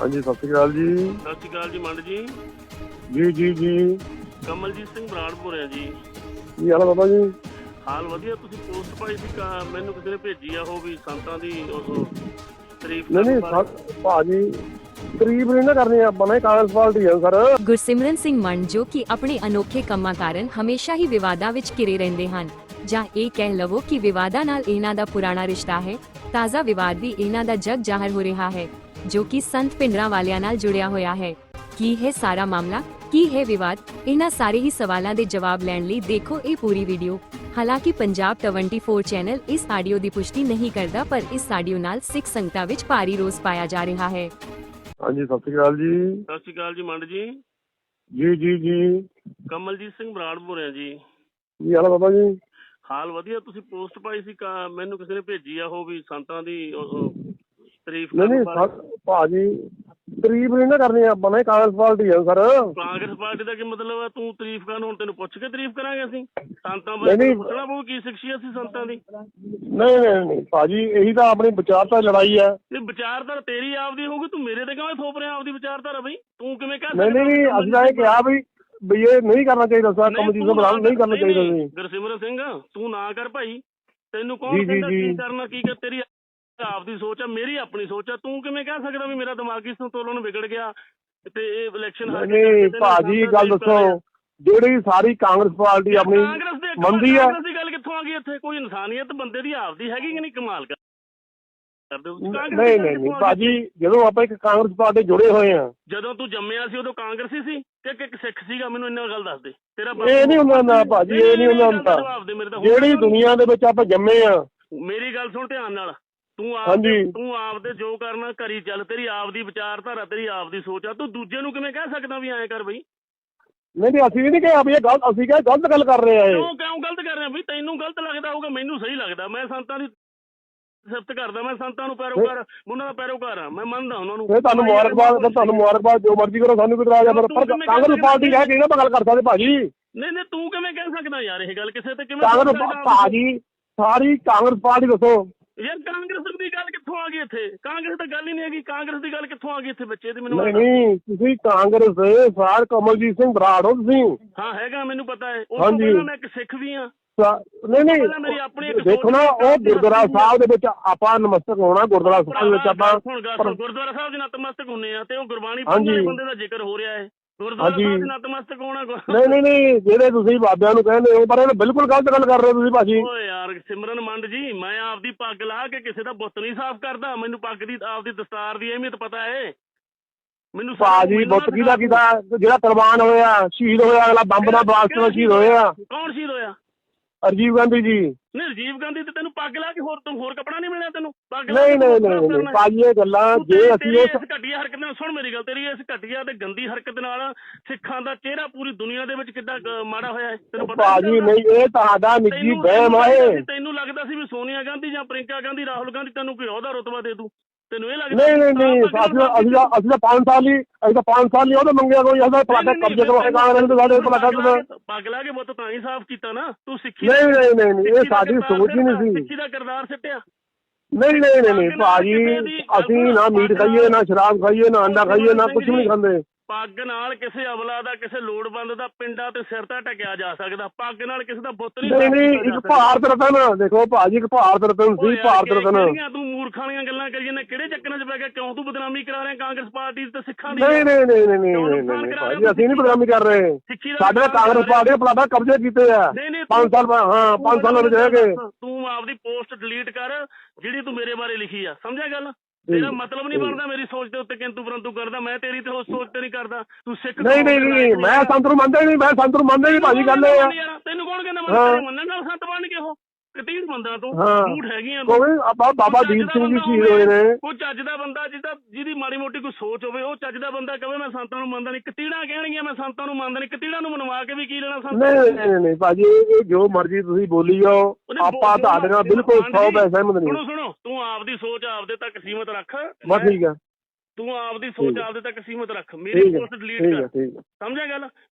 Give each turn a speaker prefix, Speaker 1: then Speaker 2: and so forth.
Speaker 1: ਹਾਂਜੀ ਸਤਿ ਸ਼੍ਰੀ ਅਕਾਲ ਜੀ।
Speaker 2: ਸਤਿ ਸ਼੍ਰੀ ਅਕਾਲ ਜੀ ਮੰਡ ਜੀ।
Speaker 1: ਜੀ ਜੀ ਜੀ
Speaker 2: ਕਮਲਜੀਤ ਸਿੰਘ ਬਰਾੜ ਬੋਲ ਜੀ।
Speaker 1: ਕੀ ਹਾਲ ਹੈ ਬਾਬਾ ਜੀ?
Speaker 2: ਹਾਲ ਵਧੀਆ। ਤੁਸੀਂ ਪੋਸਟ ਪਾਈ ਸੀ ਮੈਨੂੰ ਕਿਸੇ ਨੇ ਭੇਜੀ ਆ ਉਹ ਵੀ ਸੰਤਾਂ ਦੀ ਉਹ ਤਾਰੀਫ
Speaker 1: ਨਹੀਂ
Speaker 2: ਕਰਨ
Speaker 1: ਨਹੀਂ
Speaker 2: ਬਾਰੇ।
Speaker 1: ਭਾਜੀ ਤਾਰੀਫ ਨਹੀਂ ਨਾ ਕਰਨੀ ਆਪਾਂ ਨੇ, ਕਾਂਗਰਸ ਪਾਰਟੀ ਹੈ ਸਰ।
Speaker 3: ਗੁਰਸਿਮਰਨ ਸਿੰਘ ਮੰਡ ਜੋ ਕਿ ਆਪਣੇ ਅਨੋਖੇ ਕੰਮਾਂ ਕਾਰਨ ਹਮੇਸ਼ਾ ਹੀ ਵਿਵਾਦਾਂ ਵਿੱਚ ਘਿਰੇ ਰਹਿੰਦੇ ਹਨ, ਜਾਂ ਇਹ ਕਹਿ ਲਵੋ ਕਿ ਵਿਵਾਦਾਂ ਨਾਲ ਇਹਨਾਂ ਦਾ ਪੁਰਾਣਾ ਰਿਸ਼ਤਾ ਹੈ। ਤਾਜ਼ਾ ਵਿਵਾਦ ਵੀ ਇਹਨਾਂ ਦਾ ਜਗ ਜ਼ਾਹਰ ਹੋ ਰਿਹਾ ਹੈ, ਜੋ ਕਿ ਸੰਤ ਭਿੰਡਰਾਂ ਵਾਲਿਆਂ ਨਾਲ ਜੁੜਿਆ ਹੋਇਆ ਹੈ। ਕੀ ਹੈ ਸਾਰਾ ਮਾਮਲਾ, ਕੀ ਹੈ ਵਿਵਾਦ? ਇਹਨਾਂ ਸਾਰੇ ਹੀ ਸਵਾਲਾਂ ਦੇ ਜਵਾਬ ਲੈਣ ਲਈ ਦੇਖੋ ਇਹ ਪੂਰੀ ਵੀਡੀਓ। ਹਾਲਾਂਕਿ ਪੰਜਾਬ 24 ਚੈਨਲ ਇਸ ਆਡੀਓ ਦੀ ਪੁਸ਼ਟੀ ਨਹੀਂ ਕਰਦਾ, ਪਰ ਇਸ ਆਡੀਓ ਨਾਲ ਸਿੱਖ ਸੰਗਤਾਂ ਵਿੱਚ ਭਾਰੀ ਰੋਸ ਪਾਇਆ ਜਾ ਰਿਹਾ ਹੈ।
Speaker 1: ਹਾਂਜੀ ਸਤਿ ਸ਼੍ਰੀ ਅਕਾਲ ਜੀ।
Speaker 2: ਸਤਿ ਸ਼੍ਰੀ ਅਕਾਲ ਜੀ ਮੰਡ ਜੀ।
Speaker 1: ਜੀ ਜੀ ਜੀ
Speaker 2: ਕਮਲਜੀਤ ਸਿੰਘ ਬਰਾੜ ਬੋਲ ਜੀ।
Speaker 1: ਕੀ ਹਾਲ ਹੈ ਬਾਬਾ ਜੀ?
Speaker 2: ਹਾਲ ਵਧੀਆ। ਤੁਸੀਂ ਪੋਸਟ ਪਾਈ ਸੀ ਮੈਨੂੰ ਕਿਸੇ ਨੇ ਭੇਜੀ ਆ ਉਹ ਵੀ ਸੰਤਾਂ ਦੀ ਉਹ ਤਾਰੀਫ
Speaker 1: ਨਹੀਂ
Speaker 2: ਕਰਨ
Speaker 1: ਨਹੀਂ
Speaker 2: ਬਾਰੇ।
Speaker 1: ਭਾਜੀ ਤਾਰੀਫ ਨਹੀਂ ਨਾ ਕਰਨੀ ਆਪਾਂ ਨੇ, ਕਾਂਗਰਸ ਪਾਰਟੀ ਹੈ ਸਰ।
Speaker 2: ਕਾਂਗਰਸ ਪਾਰਟੀ ਦਾ ਕੀ ਮਤਲਬ ਹੈ? ਤੂੰ ਤਾਰੀਫ ਕਰਨ, ਹੁਣ ਤੈਨੂੰ ਪੁੱਛ ਕੇ ਤਾਰੀਫ ਕਰਾਂਗੇ ਅਸੀਂ? ਸੰਤਾਂ
Speaker 1: ਨਹੀਂ,
Speaker 2: ਬਾਰੇ
Speaker 1: ਨਹੀਂ।
Speaker 2: ਪੁੱਛਣਾ ਪਊ ਕੀ ਸ਼ਖਸੀਅਤ ਸੀ ਸੰਤਾਂ ਦੀ।
Speaker 1: ਨਹੀਂ ਨਹੀਂ ਨਹੀਂ ਭਾਜੀ, ਇਹੀ ਤਾਂ ਆਪਣੀ ਵਿਚਾਰਤਾ ਲੜਾਈ ਹੈ।
Speaker 2: ਇਹ ਵਿਚਾਰਧਾਰਾ ਤੇਰੀ ਆਪਦੀ ਹੋਊਗੀ, ਤੂੰ ਮੇਰੇ ਤੇ ਕਿਵੇਂ ਥੋਪ ਰਿਹਾ ਆਪਦੀ ਵਿਚਾਰਧਾਰਾ ਬਈ? ਤੂੰ ਕਿਵੇਂ ਕਹਿ
Speaker 1: ਨਹੀਂ ਨਹੀਂ ਨਹੀਂ, ਅਸੀਂ ਤਾਂ ਇਹ ਕਿਹਾ ਵੀ ਇਹ ਨਹੀਂ ਕਰਨਾ ਚਾਹੀਦਾ ਸਰ, ਕਮਲਜੀਤ ਸਿੰਘ ਬਰਾੜ ਨਹੀਂ ਕਰਨਾ ਚਾਹੀਦਾ ਸੀ।
Speaker 2: ਗੁਰਸਿਮਰਨ ਸਿੰਘ ਤੂੰ ਨਾ ਕਰ ਭਾਈ। ਤੈਨੂੰ
Speaker 1: ਜੀ,
Speaker 2: ਕੌਣ
Speaker 1: ਜੀ,
Speaker 2: ਕਹਿੰਦਾ
Speaker 1: ਜੀ।
Speaker 2: ਕੀ ਕਰਨਾ ਕੀ ਕਰ? ਤੇਰੀ ਆਪਦੀ ਸੋਚ ਆ, ਮੇਰੀ ਆਪਣੀ ਸੋਚ ਆ। ਤੂੰ ਕਿਵੇਂ ਕਹਿ ਸਕਦਾ ਵੀ ਮੇਰਾ ਦਿਮਾਗੀ ਸੰਤੁਲਨ ਵਿਗੜ ਗਿਆ ਤੇ ਇਹ ਇਲੈਕਸ਼ਨ ਹਾਰ ਕੇ
Speaker 1: ਨਹੀਂ ਭਾਜੀ ਗੱਲ ਦੱਸੋ, ਜਿਹੜੀ ਸਾਰੀ ਕਾਂਗਰਸ ਪਾਰਟੀ ਆਪਣੀ
Speaker 2: ਕਾਂਗਰਸ ਦੇ
Speaker 1: ਮੰਨਦੀ ਹੈ।
Speaker 2: ਕਾਂਗਰਸ ਦੀ ਗੱਲ ਕਿੱਥੋਂ ਆ ਗਈ ਇੱਥੇ? ਕੋਈ ਇਨਸਾਨੀਅਤ ਬੰਦੇ ਦੀ ਆਪਦੀ ਹੈਗੀ ਕਿ ਨਹੀਂ? ਕਮਾਲ ਕਰਦੇ ਹੋ। ਕਾਂਗਰਸ ਦੀ
Speaker 1: ਨਹੀਂ
Speaker 2: ਗੱਲ
Speaker 1: ਨਹੀਂ
Speaker 2: ਕਿੱਥੋਂ
Speaker 1: ਨਹੀਂ
Speaker 2: ਆ ਗਈ?
Speaker 1: ਭਾਜੀ, ਜਦੋਂ ਆਪਾਂ ਇੱਕ ਕਾਂਗਰਸ ਪਾਰਟੀ ਜੁੜੇ ਹੋਏ ਆ।
Speaker 2: ਜਦੋਂ ਤੂੰ ਜੰਮਿਆ ਸੀ ਉਦੋਂ ਕਾਂਗਰਸੀ ਸੀ ਕਿ ਇੱਕ ਸਿੱਖ ਸੀਗਾ? ਮੈਨੂੰ ਇੰਨਾ ਗੱਲ ਦੱਸ ਦੇ। ਤੇਰਾ
Speaker 1: ਇਹ ਨਹੀਂ ਹੁੰਦਾ ਨਾ ਭਾਜੀ, ਇਹ ਨਹੀਂ ਹੁੰਦਾ ਹੁੰਦਾ। ਜਿਹੜੀ ਦੁਨੀਆ ਦੇ ਵਿੱਚ ਆਪਾਂ ਜੰਮੇ ਆ।
Speaker 2: ਮੇਰੀ ਗੱਲ ਸੁਣ ਧਿਆਨ ਨਾਲ। ਤੂੰ
Speaker 1: ਹਾਂਜੀ।
Speaker 2: ਤੂੰ ਆਪਦੇ ਜੋ ਕਰਨਾ ਕਰੀ ਚੱਲ। ਤੇਰੀ ਆਪਦੀ ਵਿਚਾਰਧਾਰਾ, ਤੇਰੀ ਆਪਦੀ ਸੋਚ ਆ। ਤੂੰ ਦੂਜੇ ਨੂੰ ਕਿਵੇਂ ਕਹਿ ਸਕਦਾ ਵੀ ਐਂ ਕਰ ਬਈ?
Speaker 1: ਨਹੀਂ ਨਹੀਂ, ਅਸੀਂ ਨਹੀਂ ਕਿਹਾ ਵੀ ਇਹ ਗਲਤ, ਅਸੀਂ ਕਿਹਾ ਗਲਤ ਗੱਲ ਕਰ ਰਹੇ ਆ ਇਹ।
Speaker 2: ਕਿਉਂ ਗਲਤ ਕਰ ਰਿਹਾ ਬਈ? ਤੈਨੂੰ ਗਲਤ ਲੱਗਦਾ ਹੋਊਗਾ, ਮੈਨੂੰ ਸਹੀ ਲੱਗਦਾ। ਮੈਂ ਸੰਤਾਂ ਦੀ ਸਿਫਤ ਕਰਦਾ, ਮੈਂ ਸੰਤਾਂ ਨੂੰ ਪੈਰੋਕਾਰ, ਉਹਨਾਂ ਦਾ ਪੈਰੋਕਾਰ ਆ, ਮੈਂ ਮੰਨਦਾ ਉਹਨਾਂ ਨੂੰ।
Speaker 1: ਫਿਰ ਤੁਹਾਨੂੰ ਮੁਬਾਰਕਬਾਦ, ਤੁਹਾਨੂੰ ਮੁਬਾਰਕਬਾਦ, ਜੋ ਮਰਜ਼ੀ ਕਰੋ, ਸਾਨੂੰ ਕੋਈ ਇਤਰਾਜ਼ ਆ। ਪਰ ਕਾਂਗਰਸ ਪਾਰਟੀ ਕਹਿ ਕੇ ਨਾ ਗੱਲ ਕਰ ਸਕਦੇ ਭਾਜੀ।
Speaker 2: ਨਹੀਂ ਨਹੀਂ, ਤੂੰ ਕਿਵੇਂ ਕਹਿ ਸਕਦਾ ਯਾਰ ਇਹ ਗੱਲ? ਕਿਸੇ ਤੇ ਕਿਵੇਂ
Speaker 1: ਕਾਂਗਰਸ ਭਾਜੀ, ਸਾਰੀ ਕਾਂਗਰਸ ਪਾਰਟੀ ਦੱਸੋ
Speaker 2: ਯਾਰ? ਕਾਂਗਰਸ ਦੀ ਗੱਲ ਕਿੱਥੋਂ ਆ ਗਈ ਇੱਥੇ? ਕਾਂਗਰਸ ਤਾਂ ਗੱਲ ਹੀ ਨਹੀਂ ਹੈਗੀ। ਕਾਂਗਰਸ ਦੀ ਗੱਲ ਕਿੱਥੋਂ ਆ ਗਈ ਇੱਥੇ ਬੱਚੇ ਦੀ? ਮੈਨੂੰ
Speaker 1: ਨਹੀਂ ਨਹੀਂ, ਤੁਸੀਂ ਕਾਂਗਰਸ ਦੇ ਸਾਰ ਕਮਲਜੀਤ ਸਿੰਘ ਬਰਾੜ ਹੋ ਤੁਸੀਂ।
Speaker 2: ਹਾਂ ਹੈਗਾ, ਮੈਨੂੰ ਪਤਾ ਹੈ। ਉਸ ਤੋਂ ਪਹਿਲਾਂ ਮੈਂ ਇੱਕ ਸਿੱਖ ਵੀ ਹਾਂ।
Speaker 1: ਨਹੀਂ ਨਹੀਂ, ਦੇਖੋ ਨਾ, ਉਹ ਗੁਰਦੁਆਰਾ ਸਾਹਿਬ ਦੇ ਵਿੱਚ ਆਪਾਂ ਨਮਸਤਕ ਹੋਣਾ। ਗੁਰਦੁਆਰਾ ਸਾਹਿਬ ਵਿੱਚ ਆਪਾਂ
Speaker 2: ਗੁਰਦੁਆਰਾ ਸਾਹਿਬ ਦੇ ਨਤਮਸਤਕ ਹੁੰਦੇ ਆ ਤੇ ਉਹ ਗੁਰਬਾਣੀ ਪੜ੍ਹਨ ਵਾਲੇ ਬੰਦੇ ਦਾ ਜ਼ਿਕਰ ਹੋ ਰਿਹਾ ਹੈ। ਗੁਰਦੁਆਰਾ ਸਾਹਿਬ ਦੇ ਨਤਮਸਤਕ ਹੋਣਾ।
Speaker 1: ਨਹੀਂ ਨਹੀਂ ਨਹੀਂ, ਜਿਹੜੇ ਤੁਸੀਂ ਬਾਬਿਆਂ ਨੂੰ ਕਹਿੰਦੇ ਹੋ, ਪਰ ਇਹ ਬਿਲਕੁਲ ਗਲਤ ਗੱਲ ਕਰ ਰਹੇ ਹੋ ਤੁਸੀਂ ਭਾਜੀ।
Speaker 2: ਓਏ ਯਾਰ ਸਿਮਰਨ ਮੰਡ ਜੀ, ਮੈਂ ਆਪਦੀ ਪੱਗ ਲਾ ਕੇ ਕਿਸੇ ਦਾ ਬੁੱਤ ਨਹੀਂ ਸਾਫ਼ ਕਰਦਾ। ਮੈਨੂੰ ਪੱਗ ਦੀ, ਆਪਦੀ ਦਸਤਾਰ ਦੀ ਅਹਿਮੀਅਤ ਪਤਾ ਹੈ। ਮੈਨੂੰ
Speaker 1: ਭਾਜੀ ਬੁੱਤ ਕਿਹਦਾ ਜਿਹੜਾ ਕੁਰਬਾਨ ਹੋਇਆ, ਸ਼ਹੀਦ ਹੋਇਆ, ਅਗਲਾ ਬੰਬ ਦਾ ਬਲਾਸਟ ਨਾਲ ਸ਼ਹੀਦ ਹੋਇਆ।
Speaker 2: ਕੌਣ ਸ਼ਹੀਦ ਹੋਇਆ?
Speaker 1: ਰਾਜੀਵ ਗਾਂਧੀ ਜੀ।
Speaker 2: ਨਹੀਂ ਰਾਜੀਵ ਗਾਂਧੀ ਤੇ ਤੈਨੂੰ ਪੱਗ ਲਾ ਕੇ ਹੋਰ ਕੱਪੜਾ ਨਹੀਂ ਮਿਲਿਆ ਤੈਨੂੰ? ਪੱਗ
Speaker 1: ਨਹੀਂ ਨਹੀਂ ਨਹੀਂ ਭਾਜੀ, ਇਹ ਗੱਲਾਂ ਜੇ ਅਸੀਂ
Speaker 2: ਇਸ ਘਟੀਆ ਹਰਕਤ ਨਾਲ, ਸੁਣ ਮੇਰੀ ਗੱਲ, ਤੇਰੀ ਇਸ ਘਟੀਆ ਤੇ ਗੰਦੀ ਹਰਕਤ ਨਾਲ ਸਿੱਖਾਂ ਦਾ ਚਿਹਰਾ ਪੂਰੀ ਦੁਨੀਆ ਦੇ ਵਿੱਚ ਕਿੱਦਾਂ ਮਾੜਾ ਹੋਇਆ ਹੈ ਤੈਨੂੰ ਪਤਾ?
Speaker 1: ਭਾਜੀ ਨਹੀਂ, ਇਹ ਤੁਹਾਡਾ ਨਿੱਜੀ ਵਹਿਮ ਹੈ।
Speaker 2: ਤੈਨੂੰ ਲੱਗਦਾ ਸੀ ਵੀ ਸੋਨੀਆ ਗਾਂਧੀ ਜਾਂ ਪ੍ਰਿੰਕਾ ਗਾਂਧੀ, ਰਾਹੁਲ ਗਾਂਧੀ ਤੈਨੂੰ ਕੋਈ ਅਹੁਦਾ ਰੁਤਬਾ ਦੇ ਦੂ? ਤੈਨੂੰ ਇਹ ਲੱਗਦਾ?
Speaker 1: ਨਹੀਂ ਨਹੀਂ ਨਹੀਂ, ਅਸੀਂ ਤਾਂ 5 ਸਾਲ ਹੀ, ਅਸੀਂ ਤਾਂ 5 ਸਾਲ ਹੀ ਉਹਦਾ ਮੰਗਿਆ। ਕੋਈ ਅਸਾਂ ਪਲਾਟਾ ਕਬਜ਼ੇ ਕਰਵਾਏ ਕਾਂਗਰਸ ਦੇ, ਸਾਡੇ ਪਲਾਟਾ
Speaker 2: ਪੱਗ ਲਾ ਕੇ ਬੁੱਤ ਤਾਂ ਹੀ ਸਾਫ਼ ਕੀਤਾ ਨਾ ਤੂੰ। ਸਿੱਖੀ
Speaker 1: ਨਹੀਂ ਨਹੀਂ ਨਹੀਂ, ਇਹ ਸਾਡੀ ਸੋਚ ਹੀ ਨਹੀਂ ਸੀ।
Speaker 2: ਸਿੱਖੀ ਦਾ ਕਿਰਦਾਰ ਸਿੱਟਿਆ।
Speaker 1: ਨਹੀਂ ਨਹੀਂ ਨਹੀਂ ਭਾਜੀ, ਅਸੀਂ ਨਾ ਮੀਟ ਖਾਈਏ, ਨਾ ਸ਼ਰਾਬ ਖਾਈਏ, ਨਾ ਅੰਡਾ ਖਾਈਏ, ਨਾ ਕੁਝ ਵੀ ਨਹੀਂ ਖਾਂਦੇ।
Speaker 2: ਪੱਗ ਨਾਲ ਕਿਸੇ ਅਵਲਾ ਦਾ, ਕਿਸੇ ਲੋੜਵੰਦ ਦਾ ਪਿੰਡਾਂ ਤੇ ਸਿਰ ਤਾਂ ਢਕਿਆ ਜਾ ਸਕਦਾ। ਪੱਗ ਨਾਲ ਕਿਸੇ ਦਾ ਬੁੱਤ
Speaker 1: ਨਹੀਂ ਨਹੀਂ, ਇੱਕ ਭਾਰਤ ਰਤਨ ਦੇਖੋ ਭਾਜੀ, ਇੱਕ ਭਾਰਤ ਰਤਨ ਸੀ, ਭਾਰਤ ਰਤਨ।
Speaker 2: ਤੂੰ ਮੂਰਖਾਂ ਦੀਆਂ ਗੱਲਾਂ ਕਰੀ ਜਾਂਦਾ, ਕਿਹੜੇ ਚੱਕਰਾਂ 'ਚ ਪੈ ਗਿਆ? ਕਿਉਂ ਤੂੰ ਬਦਨਾਮੀ ਕਰਾ ਰਿਹਾ ਕਾਂਗਰਸ ਪਾਰਟੀ ਤੇ ਸਿੱਖਾਂ ਦੀ?
Speaker 1: ਨਹੀਂ ਨਹੀਂ ਨਹੀਂ ਨਹੀਂ ਭਾਜੀ, ਅਸੀਂ ਨਹੀਂ ਬਦਨਾਮੀ ਕਰ ਰਹੇ। ਸਾਡੇ ਕਾਂਗਰਸ ਪਾਰਟੀ ਦੇ ਪਲਾਟਾ ਕਬਜ਼ੇ ਕੀਤੇ ਆ 5 ਸਾਲ। ਹਾਂ 5 ਸਾਲਾਂ ਵਿੱਚ ਰਹਿ ਗਏ।
Speaker 2: ਤੂੰ ਆਪਦੀ ਪੋਸਟ ਡਿਲੀਟ ਕਰ ਜਿਹੜੀ ਤੂੰ ਮੇਰੇ ਬਾਰੇ ਲਿਖੀ ਆ, ਸਮਝਿਆ ਗੱਲ? ਤੇਰਾ ਮਤਲਬ ਨਹੀਂ ਬਣਦਾ ਮੇਰੀ ਸੋਚ ਦੇ ਉੱਤੇ ਕਿੰਤੂ ਪਰੰਤੂ ਕਰਦਾ। ਮੈਂ ਤੇਰੀ ਤੇ ਉਸ ਸੋਚ ਤੇ ਨਹੀਂ ਕਰਦਾ। ਤੂੰ ਸਿੱਖ
Speaker 1: ਨਹੀਂ ਨਹੀਂ ਨਹੀਂ, ਮੈਂ ਸੰਤ ਨੂੰ ਮੰਨਦਾ ਹੀ ਨਹੀਂ, ਮੈਂ ਸੰਤ ਨੂੰ ਮੰਨਦਾ ਹੀ ਨਹੀਂ ਭਾਜੀ। ਗੱਲ ਇਹ ਆ,
Speaker 2: ਤੈਨੂੰ ਕੌਣ ਕਹਿੰਦਾ ਮੰਨਣ ਨਾਲ ਸੰਤ ਬਣ ਕੇ? ਉਹ ਕਤੀੜ ਬੰਦਾ ਤੂੰ, ਝੂਠ ਹੈਗੀ ਆ।
Speaker 1: ਕੋਈ ਬਾਬਾ ਦੀਪ ਸਿੰਘ ਜੀ ਸ਼ਹੀਦ ਹੋਏ ਨੇ।
Speaker 2: ਕੋਈ ਚੱਜ ਦਾ ਬੰਦਾ ਜਿਹਦੀ ਮਾੜੀ ਮੋਟੀ ਕੋਈ ਸੋਚ ਹੋਵੇ, ਉਹ ਚੱਜ ਦਾ ਬੰਦਾ ਕਹੇ ਮੈਂ ਸੰਤਾਂ ਨੂੰ ਮੰਨਦਾ ਨਹੀਂ। ਕਤੀੜਾਂ ਕਹਿਣਗੀਆਂ ਮੈਂ ਸੰਤਾਂ ਨੂੰ ਮੰਨਦਾ ਨਹੀਂ। ਕਤੀੜਾਂ ਨੂੰ ਮਨਵਾ ਕੇ ਵੀ ਕੀ ਲੈਣਾ ਸੰਤਾਂ?
Speaker 1: ਨਹੀਂ ਨਹੀਂ ਨਹੀਂ ਭਾਜੀ, ਇਹ ਜੋ ਮਰਜ਼ੀ ਤੁਸੀਂ ਬੋਲੀ ਜਾਓ, ਆਪਾਂ ਤੁਹਾਡੇ ਨਾਲ ਬਿਲਕੁਲ 100% ਸਹਿਮਤ ਨਹੀਂ।
Speaker 2: ਸੁਣੋ, ਤੂੰ ਆਪਦੀ ਸੋਚ ਆਪਦੇ ਤੱਕ ਸੀਮਤ ਰੱਖ।
Speaker 1: ਬਸ ਠੀਕ ਆ।
Speaker 2: ਤੂੰ ਆਪਦੀ ਸੋਚ ਆਪਦੇ ਤੱਕ ਸੀਮਤ ਰੱਖ। ਮੇਰੀ ਪੋਸਟ ਡਿਲੀਟ ਕਰ, ਸਮਝਿਆ ਗੱਲ?